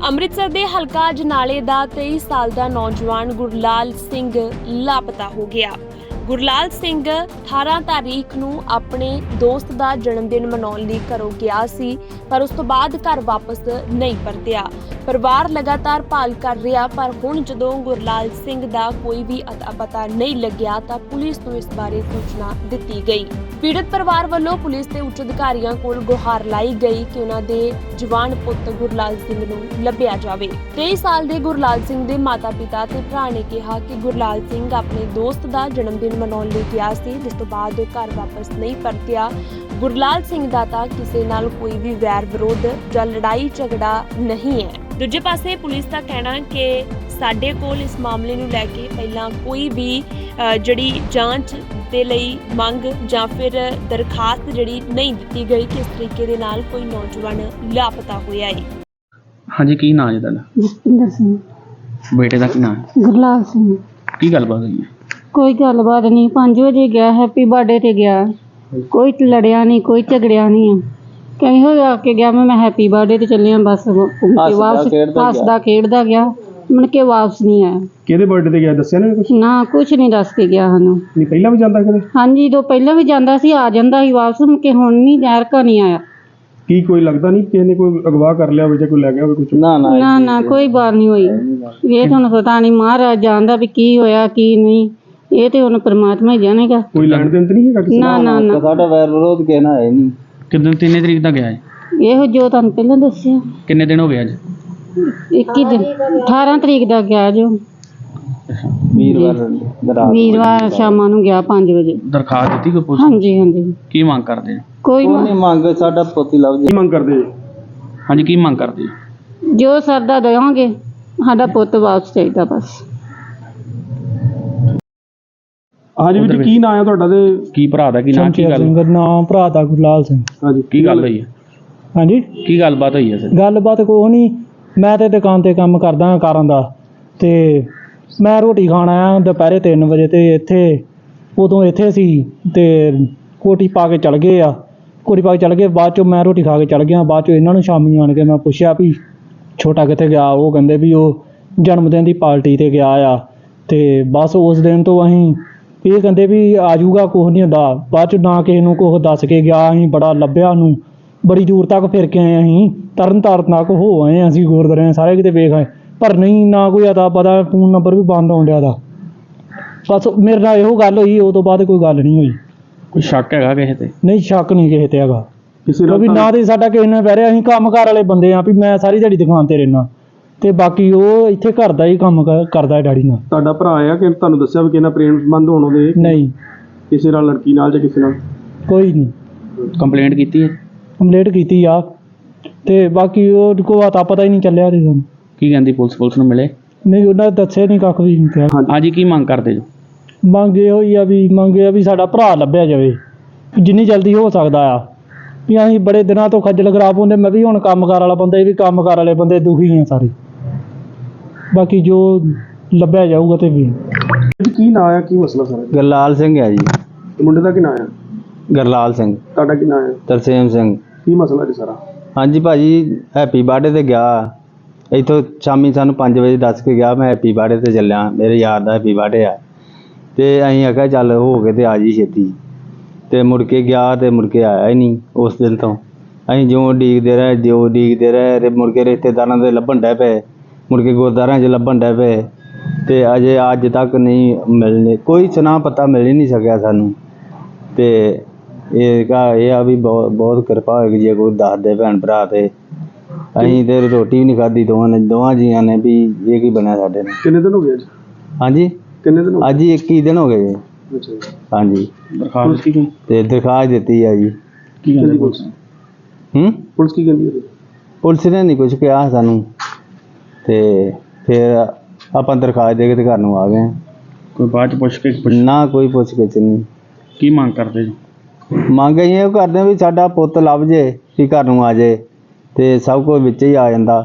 ਅੰਮ੍ਰਿਤਸਰ ਦੇ ਹਲਕਾ ਅਜਨਾਲੇ ਦਾ 23 ਸਾਲ ਦਾ ਨੌਜਵਾਨ ਗੁਰਲਾਲ ਸਿੰਘ ਲਾਪਤਾ ਹੋ ਗਿਆ। ਗੁਰਲਾਲ ਸਿੰਘ 18 ਤਾਰੀਖ ਨੂੰ ਆਪਣੇ ਦੋਸਤ ਦਾ ਜਨਮ ਦਿਨ ਮਨਾਉਣ ਲਈ ਘਰੋਂ ਗਿਆ ਸੀ, ਪਰ ਉਸ ਤੋਂ ਬਾਅਦ ਘਰ ਵਾਪਸ ਨਹੀਂ ਪਰਤਿਆ। ਪਰਿਵਾਰ ਲਗਾਤਾਰ ਭਾਲ ਕਰ ਰਿਹਾ, ਪਰ ਹੁਣ ਜਦੋਂ ਗੁਰਲਾਲ ਸਿੰਘ ਦਾ ਕੋਈ ਵੀ ਅਤਾ ਪਤਾ ਨਹੀਂ ਲੱਗਿਆ ਤਾਂ ਪੁਲਿਸ ਨੂੰ ਇਸ ਬਾਰੇ ਸੂਚਨਾ ਦਿੱਤੀ ਗਈ। ਪੀੜਤ ਪਰਿਵਾਰ ਵੱਲੋਂ ਪੁਲਿਸ ਤੇ ਉੱਚ ਅਧਿਕਾਰੀਆਂ ਕੋਲ ਗੁਹਾਰ ਲਾਈ ਗਈ ਕਿ ਉਹਨਾਂ ਦੇ ਜਵਾਨ ਪੁੱਤ ਗੁਰਲਾਲ ਸਿੰਘ ਨੂੰ ਲੱਭਿਆ ਜਾਵੇ। 23 ਸਾਲ ਦੇ ਗੁਰਲਾਲ ਸਿੰਘ ਦੇ ਮਾਤਾ-ਪਿਤਾ ਤੇ ਭਰਾ ਨੇ ਕਿਹਾ ਕਿ ਗੁਰਲਾਲ ਸਿੰਘ ਆਪਣੇ ਦੋਸਤ ਦਾ ਜਨਮ ਦਿਨ ਮਨਾਉਣ ਲਈ ਗਿਆ ਸੀ, ਜਿਸ ਤੋਂ ਬਾਅਦ ਘਰ ਵਾਪਸ ਨਹੀਂ ਪਰਤਿਆ। ਗੁਰਲਾਲ ਸਿੰਘ ਦਾ ਤਾਂ ਕਿਸੇ ਨਾਲ ਕੋਈ ਵੀ ਵੈਰ ਵਿਰੋਧ ਜਾਂ ਲੜਾਈ ਝਗੜਾ ਨਹੀਂ ਹੈ। ਦੂਜੇ ਪਾਸੇ ਪੁਲਿਸ ਦਾ ਕਹਿਣਾ ਕਿ ਸਾਡੇ ਕੋਲ ਇਸ ਮਾਮਲੇ ਨੂੰ ਲੈ ਕੇ ਪਹਿਲਾਂ ਕੋਈ ਵੀ ਜਿਹੜੀ ਜਾਂਚ ਦੇ ਲਈ ਮੰਗ ਜਾਂ ਫਿਰ ਦਰਖਾਸਤ ਜਿਹੜੀ ਨਹੀਂ ਦਿੱਤੀ ਗਈ ਕਿ ਇਸ ਤਰੀਕੇ ਦੇ ਨਾਲ ਕੋਈ ਨੌਜਵਾਨ ਲਾਪਤਾ ਹੋਇਆ ਹੈ। ਹਾਂਜੀ, ਕੀ ਨਾਂ ਹੈ ਤੁਹਾਡਾ? ਜਸਪਿੰਦਰ ਸਿੰਘ। ਬੇਟੇ ਦਾ ਕੀ ਨਾਂ ਹੈ? ਗੁਰਲਾਲ ਸਿੰਘ। ਕੀ ਗੱਲਬਾਤ ਹੋਈ ਹੈ? ਕੋਈ ਗੱਲਬਾਤ ਨਹੀਂ, 5 ਵਜੇ ਗਿਆ, ਹੈਪੀ ਬਰਥਡੇ ਤੇ ਗਿਆ, ਕੋਈ ਲੜਿਆ ਨਹੀਂ, ਕੋਈ ਝਗੜਿਆ ਨਹੀਂ। ਕਹੀਂ ਹੋ ਆ ਕੇ ਗਿਆ, ਮੈਂ ਹੈਪੀ ਬਰਥਡੇ ਤੇ ਚੱਲਿਆ, ਬਸ ਵਾਪਸ ਹੱਸਦਾ ਖੇਡਦਾ ਗਿਆ, ਮੁੜ ਕੇ ਵਾਪਸ ਨਹੀਂ ਆਇਆ। ਕਿਹਦੇ ਬਰਥਡੇ ਤੇ ਗਿਆ ਦੱਸਿਆ ਨਾ ਕੁਝ? ਨਾ ਕੁਛ ਨਹੀਂ ਦੱਸ ਕੇ ਗਿਆ ਸਾਨੂੰ। ਨਹੀਂ ਪਹਿਲਾਂ ਵੀ ਜਾਂਦਾ ਕਦੇ? ਹਾਂਜੀ, ਦੋ ਪਹਿਲਾਂ ਵੀ ਜਾਂਦਾ ਸੀ, ਆ ਜਾਂਦਾ ਸੀ ਵਾਪਸ, ਮੁੜ ਕੇ ਹੁਣ ਨਹੀਂ, ਜ਼ਹਿਰ ਕਾ ਨਹੀਂ ਆਇਆ। ਕੀ ਕੋਈ ਲੱਗਦਾ ਨਹੀਂ ਕਿਸੇ ਨੇ ਕੋਈ ਅਗਵਾ ਕਰ ਲਿਆ ਹੋਵੇ ਜਾਂ ਕੋਈ ਲੈ ਗਿਆ ਹੋਵੇ ਕੁਝ? ਨਾ ਕੋਈ ਬਾਤ ਨਹੀਂ ਹੋਈ। ਇਹ ਤੁਹਾਨੂੰ ਪਤਾ ਨਹੀਂ, ਮਹਾਰਾਜ ਜਾਣਦਾ ਵੀ ਕੀ ਹੋਇਆ ਕੀ ਨਹੀਂ, ਇਹ ਤੇ ਹੁਣ ਪਰਮਾਤਮਾ ਹੀ ਜਾਣੇਗਾ। ਕੋਈ ਲੈਣ ਦੇਣ ਤੇ ਨਹੀਂ ਹੈਗਾ ਕਿਸੇ ਨਾ ਨਾ ਨਾ, ਸਾਡਾ ਵੈਰ ਵਿਰੋਧ ਕਹਿਣਾ ਹੈ ਨਹੀਂ। ਕਿੰਨੇ ਤਰੀਕ ਦਾ ਗਿਆ ਹੈ? ਇਹੋ ਜੋ ਤੁਹਾਨੂੰ ਪਹਿਲਾਂ ਦੱਸਿਆ। ਕਿੰਨੇ ਦਿਨ ਹੋ ਗਏ ਅੱਜ? 21 ਦਿਨ, 18 ਤਰੀਕ ਦਾ ਗਿਆ ਜੋ ਵੀਰਵਾਰ ਸ਼ਾਮਾਂ ਨੂੰ ਗਿਆ 5 ਵਜੇ। ਦਰਖਾਸਤ ਦਿੱਤੀ ਕੋਈ ਪੁਲਿਸ? ਹਾਂਜੀ ਹਾਂਜੀ। ਕੀ ਮੰਗ ਕਰਦੇ? ਕੋਈ ਨਹੀਂ ਮੰਗ, ਸਾਡਾ ਪੋਤੀ ਲੱਭ ਕੀ ਮੰਗ ਕਰਦੇ ਜੀ? ਹਾਂਜੀ, ਕੀ ਮੰਗ ਕਰਦੇ? ਜੋ ਸਰਦਾ ਦੇਵਾਂਗੇ, ਸਾਡਾ ਪੁੱਤ ਵਾਪਸ ਚਾਹੀਦਾ ਬਸ। ਹਾਂਜੀ ਵੀਰ ਜੀ, ਕੀ ਨਾਂ ਹੈ ਤੁਹਾਡਾ ਤੇ ਕੀ ਭਰਾ ਦਾ ਕੀ ਨਾਂ? ਕੀ ਗੱਲ? ਨਾਮ ਭਰਾ ਦਾ ਗੁਰਲਾਲ ਸਿੰਘ। ਹਾਂਜੀ, ਕੀ ਗੱਲ ਹੋਈ ਹੈ? ਹਾਂਜੀ, ਕੀ ਗੱਲਬਾਤ ਹੋਈ ਹੈ ਸਰ? ਗੱਲਬਾਤ ਕੋਈ ਨਹੀਂ, ਮੈਂ ਤੇ ਦੁਕਾਨ ਤੇ ਕੰਮ ਕਰਦਾ ਕਾਰਾਂ ਦਾ, ਤੇ ਮੈਂ ਰੋਟੀ ਖਾਣ ਆਇਆ ਦੁਪਹਿਰੇ 3 ਵਜੇ ਤੇ ਉਦੋਂ ਇੱਥੇ ਸੀ ਤੇ ਕੋਟੀ ਪਾ ਕੇ ਚਲ ਗਏ ਆ। ਕੋਟੀ ਪਾ ਕੇ ਚਲ ਗਏ, ਬਾਅਦ ਚੋਂ ਮੈਂ ਰੋਟੀ ਖਾ ਕੇ ਚਲ ਗਿਆ। ਬਾਅਦ ਚੋਂ ਇਹਨਾਂ ਨੂੰ ਸ਼ਾਮੀ ਆਣ ਕੇ ਮੈਂ ਪੁੱਛਿਆ ਵੀ ਛੋਟਾ ਕਿੱਥੇ ਗਿਆ? ਉਹ ਕਹਿੰਦੇ ਵੀ ਉਹ ਜਨਮ ਦਿਨ ਦੀ ਪਾਰਟੀ ਤੇ ਗਿਆ ਆ। ਤੇ ਬਸ ਉਸ ਦਿਨ ਤੋਂ ਅਸੀਂ ਇਹ ਕਹਿੰਦੇ ਵੀ ਆ ਜਾਊਗਾ, ਕੁਛ ਨਹੀਂ ਹੁੰਦਾ। ਬਾਅਦ ਚ ਨਾ ਕਿਸੇ ਨੂੰ ਕੁਛ ਦੱਸ ਕੇ ਗਿਆ। ਅਸੀਂ ਬੜਾ ਲੱਭਿਆ ਉਹਨੂੰ, ਬੜੀ ਦੂਰ ਤੱਕ ਫਿਰ ਕੇ ਆਏ। ਅਸੀਂ ਤਰਨ ਤਾਰਨ ਤੱਕ ਹੋ ਆਏ, ਅਸੀਂ ਗੁਰਦੁਆਰੇ ਸਾਰੇ ਕਿਤੇ ਵੇਖ ਆਏ, ਪਰ ਨਹੀਂ, ਨਾ ਕੋਈ ਅਤਾ ਪਤਾ, ਫੋਨ ਨੰਬਰ ਵੀ ਬੰਦ ਆਉਣ ਡਿਆ ਦਾ। ਬਸ ਮੇਰੇ ਨਾਲ ਇਹੋ ਗੱਲ ਹੋਈ, ਉਹ ਤੋਂ ਬਾਅਦ ਕੋਈ ਗੱਲ ਨਹੀਂ ਹੋਈ। ਕੋਈ ਸ਼ੱਕ ਹੈਗਾ ਕਿਸੇ ਤੇ? ਨਹੀਂ, ਸ਼ੱਕ ਨਹੀਂ ਕਿਸੇ ਤੇ ਹੈਗਾ। ਕਿਸੇ ਕਿਉਂਕਿ ਨਾ ਤੇ ਸਾਡਾ ਕਿਸੇ ਨਾਲ ਬਹਿ ਰਿਹਾ, ਅਸੀਂ ਕੰਮਕਾਰ ਵਾਲੇ ਬੰਦੇ ਆ ਵੀ ਮੈਂ ਸਾਰੀ ਦਿਹਾੜੀ ਦੁਕਾਨ ਤੇ ਰਹਿਣਾ, ਤੇ ਬਾਕੀ ਉਹ ਇੱਥੇ ਘਰ ਦਾ ਹੀ ਕੰਮ ਕਰਦਾ ਹੈ ਡੈਡੀ ਨਾਲ। ਤੁਹਾਡਾ ਭਰਾ ਆ ਕਿ ਤੁਹਾਨੂੰ ਦੱਸਿਆ ਵੀ ਕਿਸੇ ਨਾਲ ਪ੍ਰੇਮ ਸੰਬੰਧ ਹੋਣ ਉਹਦੇ? ਨਹੀਂ, ਕਿਸੇ ਨਾਲ, ਲੜਕੀ ਨਾਲ ਜਾਂ ਕਿਸੇ ਨਾਲ? ਕੋਈ ਨਹੀਂ। ਕੰਪਲੇਂਟ ਕੀਤੀ ਹੈ? ਕੰਪਲੇਂਟ ਕੀਤੀ ਆ, ਤੇ ਬਾਕੀ ਉਹ ਕੋਈ ਅਤਾ ਪਤਾ ਹੀ ਨਹੀਂ ਚੱਲਿਆ ਤੇ ਸਾਨੂੰ। ਕੀ ਕਹਿੰਦੀ ਪੁਲਿਸ ਨੂੰ ਮਿਲੇ? ਨਹੀਂ, ਉਹਨਾਂ ਨੇ ਦੱਸਿਆ ਨਹੀਂ, ਕੱਖ ਵੀ ਨਹੀਂ ਕਿਹਾ। ਹਾਂਜੀ, ਕੀ ਮੰਗ ਕਰਦੇ ਜੋ? ਮੰਗ ਇਹੋ ਹੀ ਆ ਵੀ ਸਾਡਾ ਭਰਾ ਲੱਭਿਆ ਜਾਵੇ, ਜਿੰਨੀ ਜਲਦੀ ਹੋ ਸਕਦਾ ਆ। ਵੀ ਅਸੀਂ ਬੜੇ ਦਿਨਾਂ ਤੋਂ ਖੱਜਲ ਖਰਾਬ ਹੁੰਦੇ, ਮੈਂ ਵੀ ਹੁਣ ਕੰਮਕਾਰ ਵਾਲਾ ਬੰਦਾ, ਇਹ ਵੀ ਕੰਮਕਾਰ ਵਾਲੇ ਬੰਦੇ, ਦੁਖੀ ਆ ਸਾਰੇ। ਬਾਕੀ ਜੋ ਲੱਭਿਆ ਜਾਊਗਾ ਤੇ ਵੀ। ਕੀ ਨਾਂ ਆ, ਕੀ ਮਸਲਾ ਸਾਰਾ? ਗੁਰਲਾਲ ਸਿੰਘ ਹੈ ਜੀ। ਤੇ ਮੁੰਡੇ ਦਾ ਕੀ ਨਾਂ ਆ? ਗੁਰਲਾਲ ਸਿੰਘ। ਤੁਹਾਡਾ ਕੀ ਨਾਂ ਹੈ? ਤਰਸੇਮ ਸਿੰਘ। ਕੀ ਮਸਲਾ ਜੀ ਸਾਰਾ? ਹਾਂਜੀ ਭਾਜੀ, ਹੈਪੀ ਬਰਥਡੇ ਤੇ ਗਿਆ, ਇੱਥੋਂ ਸ਼ਾਮੀ ਸਾਨੂੰ 5 ਵਜੇ ਦੱਸ ਕੇ ਗਿਆ ਮੈਂ ਹੈਪੀ ਬਰਥਡੇ ਤੇ ਚੱਲਿਆ, ਮੇਰੇ ਯਾਰ ਦਾ ਹੈਪੀ ਬਰਥਡੇ ਆ। ਤੇ ਅਸੀਂ ਆਖਿਆ ਚੱਲ ਹੋ ਕੇ ਤੇ ਆ ਜੀ ਛੇਤੀ, ਤੇ ਮੁੜ ਕੇ ਗਿਆ ਤੇ ਮੁੜ ਕੇ ਆਇਆ ਹੀ ਨਹੀਂ। ਉਸ ਦਿਨ ਤੋਂ ਅਸੀਂ ਜਿਉਂ ਉਡੀਕਦੇ ਰਹੇ, ਮੁੜ ਕੇ ਰਿਸ਼ਤੇਦਾਰਾਂ ਦੇ ਲੱਭਣ ਡੈ ਪਏ, ਮੁੜ ਕੇ ਗੁਰਦੁਆਰਿਆਂ 'ਚ ਲੱਭਣ ਡੈ ਪਏ, ਤੇ ਅਜੇ ਅੱਜ ਤੱਕ ਨਹੀਂ ਮਿਲਣੇ, ਕੋਈ ਸੁਨਾ ਪਤਾ ਮਿਲ ਹੀ ਨਹੀਂ ਸਕਿਆ ਸਾਨੂੰ। ਤੇ ਇਹ ਆ ਵੀ ਬਹੁਤ ਕਿਰਪਾ ਹੋਏਗੀ ਜੇ ਕੋਈ ਦੱਸ ਦੇ ਭੈਣ ਭਰਾ। ਤੇ ਅਸੀਂ ਤੇ ਰੋਟੀ ਵੀ ਨਹੀਂ ਖਾਧੀ ਦੋਵਾਂ ਜੀਆਂ ਨੇ, ਵੀ ਇਹ ਕੀ ਬਣਿਆ ਸਾਡੇ ਨਾਲ। ਕਿੰਨੇ ਦਿਨ ਹੋ ਗਏ ਅੱਜ? ਹਾਂਜੀ, ਕਿੰਨੇ ਦਿਨ ਹੋ ਗਏ? ਅੱਜ ਹੀ 21 ਦਿਨ ਹੋ ਗਏ ਜੀ। ਅੱਛਾ ਜੀ। ਹਾਂਜੀ, ਦਰਖਾਸਤ ਕੀ? ਤੇ ਦਰਖਾਸਤ ਦਿੱਤੀ ਹੈ ਜੀ। ਕੀ ਕਹਿੰਦੀ ਪੁਲਿਸ? ਪੁਲਿਸ ਕੀ ਕਹਿੰਦੀ ਹੈ? ਪੁਲਿਸ ਨੇ ਨਹੀਂ ਕੁਝ ਕਿਹਾ ਸਾਨੂੰ, ਤੇ ਫਿਰ ਆਪਾਂ ਦਰਖਾਸਤ ਦੇ ਕੇ ਤੇ ਘਰ ਨੂੰ ਆ ਗਏ। ਕੋਈ ਬਾਅਦ ਚ ਪੁੱਛ ਕੇ ਨਾ ਕੋਈ ਪੁੱਛ ਗਿੱਛ ਨਹੀਂ। ਕੀ ਮੰਗ ਕਰਦੇ ਜੋ? ਮੰਗ ਅਸੀਂ ਇਹ ਕਰਦੇ ਹਾਂ ਵੀ ਸਾਡਾ ਪੁੱਤ ਲੱਭ ਜੇ, ਵੀ ਘਰ ਨੂੰ ਆ ਜੇ, ਤੇ ਸਭ ਕੁਝ ਵਿੱਚ ਹੀ ਆ ਜਾਂਦਾ।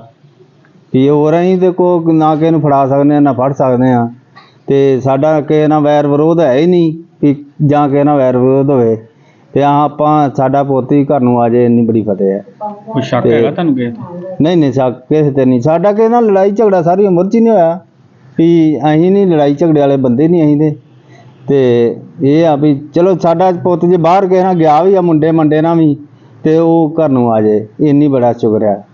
ਵੀ ਹੋਰ ਅਸੀਂ ਤੇ ਕੋ ਨਾ ਕਿਸੇ ਨੂੰ ਫੜਾ ਸਕਦੇ ਹਾਂ, ਨਾ ਫੜ ਸਕਦੇ ਹਾਂ, ਤੇ ਸਾਡਾ ਕਿਸੇ ਨਾਲ ਵੈਰ ਵਿਰੋਧ ਹੈ ਹੀ ਨਹੀਂ ਵੀ ਜਾਂ ਕਿਸੇ ਨਾਲ ਵੈਰ ਵਿਰੋਧ ਹੋਵੇ। ਤੇ ਆਪਾਂ ਸਾਡਾ ਪੁੱਤ ਹੀ ਘਰ ਨੂੰ ਆ ਜਾਏ, ਇੰਨੀ ਬੜੀ ਫਤਿਹ ਹੈ। ਕੋਈ ਸ਼ੱਕ ਤੇ- ਹੈਗਾ ਤੁਹਾਨੂੰ ਕਿਸੇ ਤੇ? ਨਹੀਂ ਸ਼ੱਕ ਕਿਸੇ ਤੇ ਨਹੀਂ। ਸਾਡਾ ਕਿਸੇ ਨਾਲ ਲੜਾਈ ਝਗੜਾ ਸਾਰੀ ਉਮਰ 'ਚ ਹੀ ਨਹੀਂ ਹੋਇਆ ਵੀ ਅਸੀਂ ਨਹੀਂ ਲੜਾਈ ਝਗੜੇ ਵਾਲੇ ਬੰਦੇ ਨਹੀਂ ਅਸੀਂ ਤੇ ਇਹ ਆ ਵੀ ਚਲੋ ਸਾਡਾ ਪੁੱਤ ਜੇ ਬਾਹਰ ਕਿਸੇ ਨਾਲ ਗਿਆ ਵੀ ਆ ਮੁੰਡੇ ਮੰਡੇ ਨਾਲ ਵੀ ਤੇ ਉਹ ਘਰ ਨੂੰ ਆ ਜਾਏ, ਇੰਨੀ ਬੜਾ ਸ਼ੁਕਰ ਹੈ।